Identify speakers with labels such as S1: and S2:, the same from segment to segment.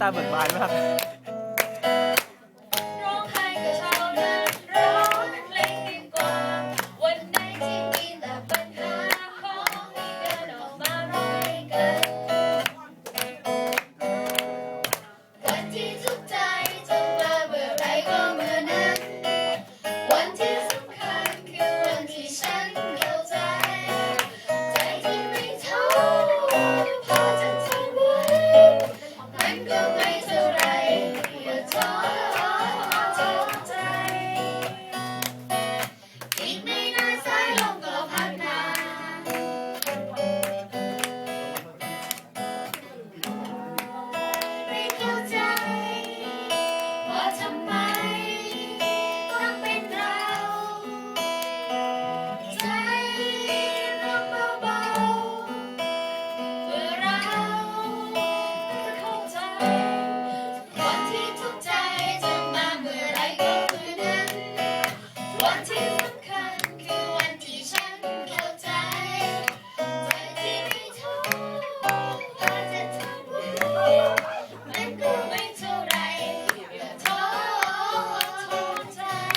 S1: ตาเบิกบานมาก
S2: ร้องไห้ก็เท่านั้นร้องเพลงดีกว่าวันไหนที่มีแต่ปัญหาห้องนี้เดินออกมาร้องให้กันวันที่ทุกข์ใจจะมาเมื่อไรก็เมื่อนั้นวันที่สำคัญคือวันที่ฉันเข้าใจใจที่ไม่ท้อพอจะทนไว้มันก็ไม่เท่าไรอย่าท้อใจอีกไม่นานสายลมก็พัดมาไม่เข้าใจว่าทำไมต้องเป็นเราใจร้องเบาๆเพื่อเราจะเข้าใจวันที่ทุกข์ใจจะมาเมื่อไรก็เมื่อนั้นวันที่สำคัญคือวันที่ฉันเข้าใจใจที่ไม่ท้อพอจะทนไว้มันก็ไม่เท่าไรอย่าท้อใจ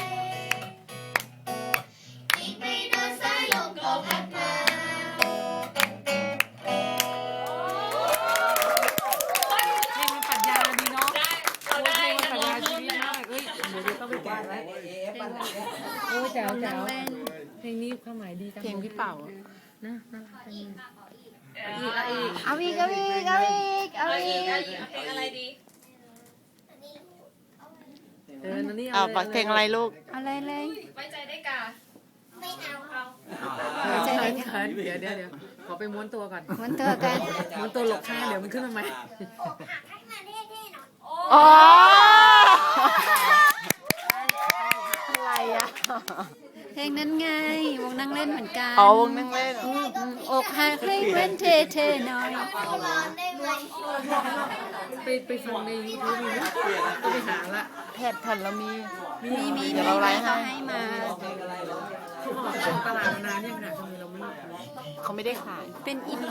S2: อีกไม่นานสายลมก็พัดมา
S3: เพลงมันปรัชญาดีเนาะ
S2: ได้เขาได้
S3: เพลงมัน
S2: นะ
S3: ปรัช
S2: ร้อง
S3: ญา
S2: เพิ่
S3: ชี
S2: ม
S3: วิต
S2: นะ
S3: มากเอ้ยเดี๋ยวต้องไปแกะไว้โอ้แจ๋วแจ๋วเพลงนี้ความหมายดีจังเพลงพี่เป่านะน่ารักจังเลยเอาอีก
S2: เอาอีกเพลงอะไรดี
S3: นั่นนี่
S4: เอาเพลงอะไรลูก
S5: อะไรเลย
S2: ไว้ใจได้กาไม่เอา
S3: เดี๋ยวขอไปม้วนตัวก่อน
S5: มันตัวกัน
S3: ม้วนตัวหลบข้างเดี๋ยวมันขึ้นมาใหม่
S4: อ๋อ
S5: อะไรอ่ะ เพลงนั้นไง วงนั่งเล่นเหมือนกัน
S4: อ๋อวงนั่งเล่น
S5: อกหักให้เว้นเทหน่อย
S3: ไปฟังในยูทูบมีไหมก็ไปหาละ
S4: แผ่นเรามี
S5: มี
S4: เดี๋ยวเราไลฟ์ให้
S5: เขาให้มา
S3: เขาออกจากตลาดมานานเนี่ยขนาดทำไมเราไม่รู้
S4: เขาไม่ได้ขาย
S5: เป็นอิน